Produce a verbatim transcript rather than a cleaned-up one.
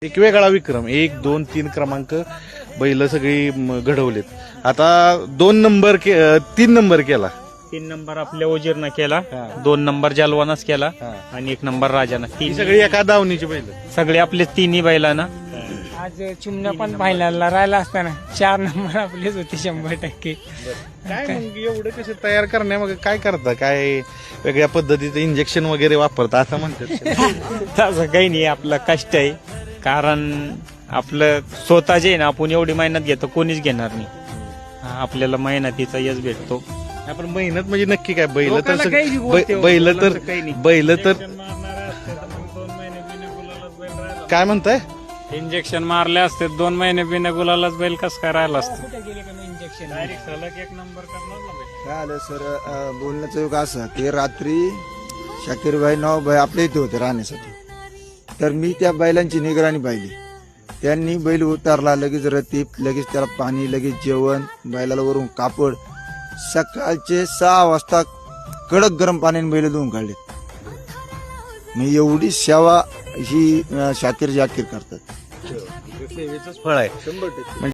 एक वेगळा विक्रम, एक दोन तीन क्रमांक बैल सगळी म, घडवलेत. आता दोन नंबर के अ, तीन नंबर केला. तीन नंबर आपल्या ओजीरनं केला, हा. दोन नंबर जालवानाच केला हा. आणि एक नंबर राजानं. ही तीन सगळी एका दावणीची बैल. सगळे आपले तिन्ही बैलांना. आज चिमण्या पण पाहिला राहिला असताना चार नंबर आपलेच होते शंभर टक्के. काय मग एवढं कसं तयार करण्यामागे काय करता? काय वेगळ्या पद्धतीचं इंजेक्शन वगैरे वापरता असं म्हणतात? तसं काही नाही, आपलं कष्ट आहे. कारण आपलं स्वतः जे आहे ना, आपण एवढी मेहनत घेतो कोणीच घेणार नाही. हा, आपल्याला मेहनतीचा यश भेटतो. आपण मेहनत म्हणजे नक्की काय? बैल तर लोकांना सग- काही बी बोलते हो, बै- बैल तर लोकांचं काही नाही. बैल तर काय म्हणताय? इंजेक्शन मारले असते दोन महिने बिना गुलालाच बैल कस काय राहिला असतं. कुठे गेले का इंजेक्शन? सलग एक नंबर करणार ना बैल. काय आलं सर, अं, बोलण्याचं योग असं की रात्री शाकीरभाई नवाभाई आपल्या इथे होते राहण्यासाठी. तर मी त्या बैलांची निगराणी पाहिली. त्यांनी बैल उतारला, लगेच रतीप, लगेच त्याला पाणी, लगेच जेवण, बैलाला वरून कापड. सकाळचे सहा वाजता कडक गरम पाण्याने बैल धुवून काढले. मी एवढी सेवा ही अं, शाकीर जाकीर करतात. सेवेचंच फळ आहे.